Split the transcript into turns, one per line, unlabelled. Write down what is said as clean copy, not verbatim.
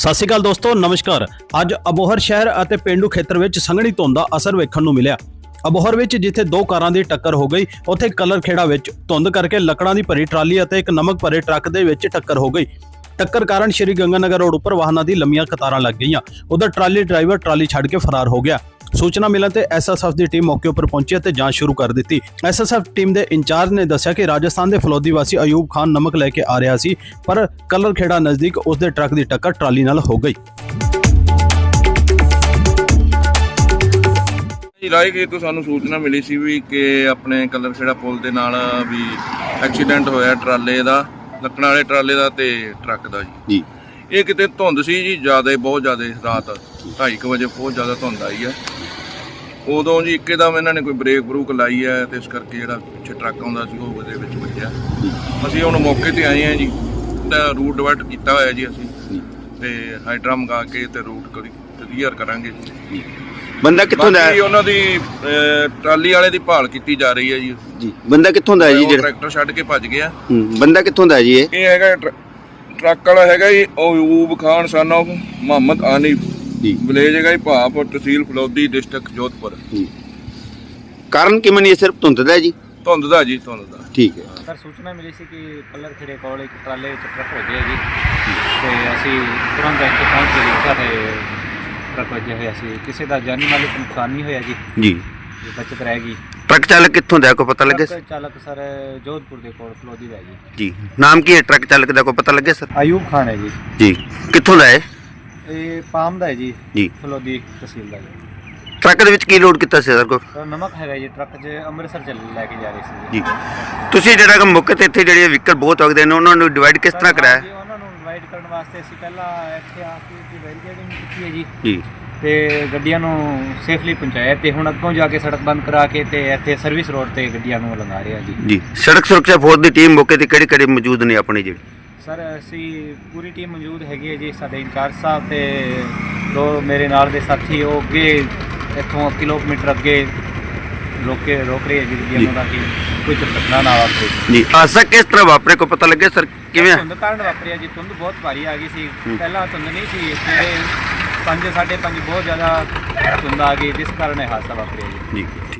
ਸਤਿ ਸ਼੍ਰੀ ਅਕਾਲ ਦੋਸਤੋ, ਨਮਸਕਾਰ। ਅੱਜ ਅਬੋਹਰ ਸ਼ਹਿਰ ਅਤੇ ਪਿੰਡੂ ਖੇਤਰ ਵਿੱਚ ਸੰਘਣੀ ਧੁੰਦ ਦਾ ਅਸਰ ਵੇਖਣ ਨੂੰ ਮਿਲਿਆ। ਅਬੋਹਰ ਵਿੱਚ ਜਿੱਥੇ ਦੋ ਕਾਰਾਂ ਦੀ ਟੱਕਰ ਹੋ ਗਈ, ਉੱਥੇ ਕਲਰ ਖੇੜਾ ਵਿੱਚ ਧੁੰਦ ਕਰਕੇ ਲੱਕੜਾਂ ਦੀ ਭਰੀ ਟਰਾਲੀ ਅਤੇ ਇੱਕ ਨਮਕ ਭਰੇ ਟਰੱਕ ਦੇ ਵਿੱਚ ਟੱਕਰ ਹੋ ਗਈ। ਟੱਕਰ ਕਾਰਨ ਸ਼੍ਰੀ ਗੰਗਾਨਗਰ ਰੋਡ ਉੱਪਰ ਵਾਹਨਾਂ ਦੀ ਲੰਮੀਆਂ ਕਤਾਰਾਂ ਲੱਗ ਗਈਆਂ। ਉਧਰ ਟਰਾਲੀ ਡਰਾਈਵਰ ਟਰਾਲੀ ਛੱਡ ਕੇ ਫਰਾਰ ਹੋ ਗਿਆ। ਸੂਚਨਾ ਮਿਲਣ ਤੇ ਐਸਐਸਐਫ ਦੀ ਟੀਮ ਮੌਕੇ ਉੱਪਰ ਪਹੁੰਚੀ ਅਤੇ ਜਾਂਚ ਸ਼ੁਰੂ ਕਰ ਦਿੱਤੀ। ਐਸਐਸਐਫ ਟੀਮ ਦੇ ਇੰਚਾਰਜ ਨੇ ਦੱਸਿਆ ਕਿ ਰਾਜਸਥਾਨ ਦੇ ਫਲੌਦੀ ਵਾਸੀ ਅਯੂਬ ਖਾਨ ਨਮਕ ਲੈ ਕੇ ਆ ਰਿਹਾ ਸੀ, ਪਰ ਕਲਰ ਖੇੜਾ ਨਜ਼ਦੀਕ ਉਸ ਦੇ ਟਰੱਕ ਦੀ ਟੱਕਰ ਟਰਾਲੀ ਨਾਲ ਹੋ ਗਈ।
ਰਾਏਗੀਰ ਤੋਂ ਸਾਨੂੰ ਸੂਚਨਾ ਮਿਲੀ ਸੀ ਵੀ ਕਿ ਆਪਣੇ ਕਲਰ ਖੇੜਾ ਪੁਲ ਦੇ ਨਾਲ ਵੀ ਐਕਸੀਡੈਂਟ ਹੋਇਆ ਟਰਾਲੇ ਦਾ, ਲੱਕੜਾਂ ਵਾਲੇ ਟਰਾਲੇ ਦਾ ਤੇ ਟਰੱਕ ਦਾ ਜੀ। ਇਹ ਕਿਤੇ ਧੁੰਦ ਸੀ ਜੀ, ਬਹੁਤ ਜ਼ਿਆਦਾ ਰਾਤ 2:30 ਵਜੇ ਬਹੁਤ ਜ਼ਿਆਦਾ ਧੁੰਦ ਆਈ ਹੈ। ਉਦੋਂ ਜੀ ਇੱਕਦਮ ਇਹਨਾਂ ਨੇ ਕੋਈ ਬਰੇਕ ਲਾਈ ਹੈ ਤੇ ਇਸ ਕਰਕੇ ਜਿਹੜਾ ਪਿੱਛੇ ਟਰੱਕ ਆਉਂਦਾ ਸੀ ਉਹ ਉਹਦੇ ਵਿੱਚ ਵੱਜਿਆ। ਅਸੀਂ ਹੁਣ ਮੌਕੇ ਤੇ ਆਏ ਹਾਂ ਜੀ, ਤਾਂ ਰੂਟ ਡਿਵਾਈਡ ਕੀਤਾ ਹੋਇਆ ਜੀ ਅਸੀਂ, ਤੇ ਹਾਈਡਰਾ ਮੰਗਾ ਕੇ ਤੇ ਰੂਟ ਕਲੀਅਰ ਕਰਾਂਗੇ ਜੀ।
ਬੰਦਾ ਕਿੱਥੋਂ ਦਾ ਹੈ?
ਉਹਨਾਂ ਦੀ ਟਰਾਲੀ ਵਾਲੇ ਦੀ ਭਾਲ ਕੀਤੀ ਜਾ ਰਹੀ ਹੈ ਜੀ।
ਬੰਦਾ ਕਿੱਥੋਂ ਦਾ ਹੈ ਜੀ? ਜਿਹੜਾ
ਟਰੈਕਟਰ ਛੱਡ ਕੇ ਭੱਜ ਗਿਆ।
ਬੰਦਾ ਕਿੱਥੋਂ ਦਾ ਹੈ ਜੀ?
ਇਹ ਹੈਗਾ ਟਰੱਕ ਵਾਲਾ ਹੈਗਾ ਜੀ ਅਯੂਬ ਖਾਨ ਸਨ ਆਫ ਮੁਹੰਮਦ ਆਨੀਫ ਜੀ। ਵਿਲੇਜ ਹੈਗਾ ਜੀ ਭਾਪੁਰ, ਤਹਿਸੀਲ ਫਲੌਦੀ, ਡਿਸਟ੍ਰਿਕਟ ਜੋਧਪੁਰ।
ਕਾਰਨ ਕਿਵੇਂ ਨਹੀਂ? ਸਿਰਫ ਧੁੰਦ ਦਾ ਜੀ?
ਧੁੰਦ ਦਾ ਜੀ, ਧੁੰਦ ਦਾ।
ਠੀਕ ਹੈ
ਸਰ, ਸੂਚਨਾ ਮਿਲੀ ਸੀ ਕਿ ਕਲਰ ਖੇੜੇ ਕੋਲ ਇੱਕ ਟਰਾਲੇ ਵਿੱਚ ਟਰੱਕ ਵੱਜਿਆ ਜੀ, ਤੇ ਅਸੀਂ ਤੁਰੰਤ ਇੱਥੇ ਪਹੁੰਚ ਗਏ। ਸਾਡੇ ਟਰੱਕ ਵੱਜਿਆ ਹੋਇਆ ਸੀ, ਕਿਸੇ ਦਾ ਜਾਨੀ ਮਾਲੀ ਨੁਕਸਾਨ ਨਹੀਂ ਹੋਇਆ ਜੀ। ਬਚਤ ਰਹਿ ਗਈ।
ਟਰੱਕ ਚਾਲਕ ਕਿੱਥੋਂ ਦਾ, ਕੋਈ ਪਤਾ ਲੱਗੇ?
ਟਰੱਕ ਚਾਲਕ ਸਰ ਜੋਧਪੁਰ ਦੇ ਕੋਲ ਫਲੌਦੀ ਦਾ
ਜੀ। ਨਾਮ ਕੀ ਹੈ ਟਰੱਕ ਚਾਲਕ ਦਾ, ਕੋਈ ਪਤਾ ਲੱਗੇ ਸਰ?
ਅਯੂਬ ਖਾਨ ਹੈ ਜੀ।
ਜੀ। ਕਿੱਥੋਂ ਦਾ ਹੈ?
ਇਹ ਪਾਮ ਦਾ ਹੈ ਜੀ,
ਜੀ।
ਫਲੌਦੀ ਤਹਿਸੀਲ ਦਾ ਜੀ।
ਟਰੱਕ ਦੇ ਵਿੱਚ ਕੀ ਲੋਡ ਕੀਤਾ ਸੀ ਸਰ? ਕੋਈ
ਸਰ ਨਮਕ ਹੈਗਾ ਜੀ, ਟਰੱਕ 'ਚ ਅੰਮ੍ਰਿਤਸਰ ਲੈ ਕੇ ਜਾ ਰਹੇ ਸੀ
ਜੀ। ਤੁਸੀਂ ਜਿਹੜਾ ਕਿ ਮੌਕੇ ਤੇ ਇੱਥੇ ਜਿਹੜੇ ਵਹੀਕਲ ਬਹੁਤ ਵਗਦੇ ਨੇ, ਉਹਨਾਂ ਨੂੰ ਡਿਵਾਈਡ ਕਿਸ ਤਰ੍ਹਾਂ ਕਰਾਇਆ?
ਜੀ, ਉਹਨਾਂ ਨੂੰ ਡਿਵਾਈਡ ਕਰਨ ਵਾਸਤੇ ਅਸੀਂ ਪਹਿਲਾਂ ਇੱਥੇ ਆ ਕੇ ਬੈਰੀਕੇਡਿੰਗ ਕੀਤੀ ਹੈ ਜੀ,
ਜੀ,
ਤੇ ਗੱਡੀਆਂ ਨੂੰ ਸੇਫਲੀ ਪਹੁੰਚਾਇਆ, ਤੇ ਹੁਣ ਅੱਗੋਂ ਜਾ ਕੇ ਸੜਕ ਬੰਦ ਕਰਾ ਕੇ ਤੇ ਇੱਥੇ ਸਰਵਿਸ ਰੋਡ ਤੇ ਗੱਡੀਆਂ ਨੂੰ ਲੰਘਾ ਰਹੇ ਆ ਜੀ।
ਜੀ। ਸੜਕ ਸੁਰੱਖਿਆ ਫੋਰਸ ਦੀ ਟੀਮ ਮੌਕੇ ਤੇ ਕਿਹੜੀ ਮੌਜੂਦ ਨੇ ਆਪਣੀ ਜਿਹੜੀ?
ਸਰ, ਅਸੀਂ ਪੂਰੀ ਟੀਮ ਮੌਜੂਦ ਹੈਗੀ ਹੈ ਜੀ। ਸਾਡੇ ਇੰਚਾਰਜ ਸਾਹਿਬ ਤੇ ਦੋ ਮੇਰੇ ਨਾਲ ਦੇ ਸਾਥੀ, ਉਹ ਅੱਗੇ ਇੱਥੋਂ ਕਿਲੋਮੀਟਰ ਅੱਗੇ ਰੋਕ ਰਹੇ ਹੈ ਜੀ ਗੱਡੀਆਂ ਨੂੰ, ਤਾਂ ਕਿ ਕੋਈ ਦੁਰਘਟਨਾ ਨਾ ਵਾਪਰੇ
ਜੀ। ਹਾਦਸਾ ਕਿਸ ਤਰ੍ਹਾਂ ਵਾਪਰੇ, ਕੋਈ ਪਤਾ ਲੱਗਿਆ ਸਰ? ਕਿਵੇਂ?
ਧੁੰਦ ਕਾਰਨ ਵਾਪਰਿਆ ਜੀ। ਧੁੰਦ ਬਹੁਤ ਭਾਰੀ ਆ ਗਈ ਸੀ, ਪਹਿਲਾਂ ਧੁੰਦ ਨਹੀਂ ਸੀ, ਸਵੇਰੇ 5 ਸਾਢੇ 5 ਬਹੁਤ ਜ਼ਿਆਦਾ ਧੁੰਦ ਆ ਗਈ, ਜਿਸ ਕਾਰਨ ਇਹ ਹਾਦਸਾ ਵਾਪਰਿਆ ਜੀ।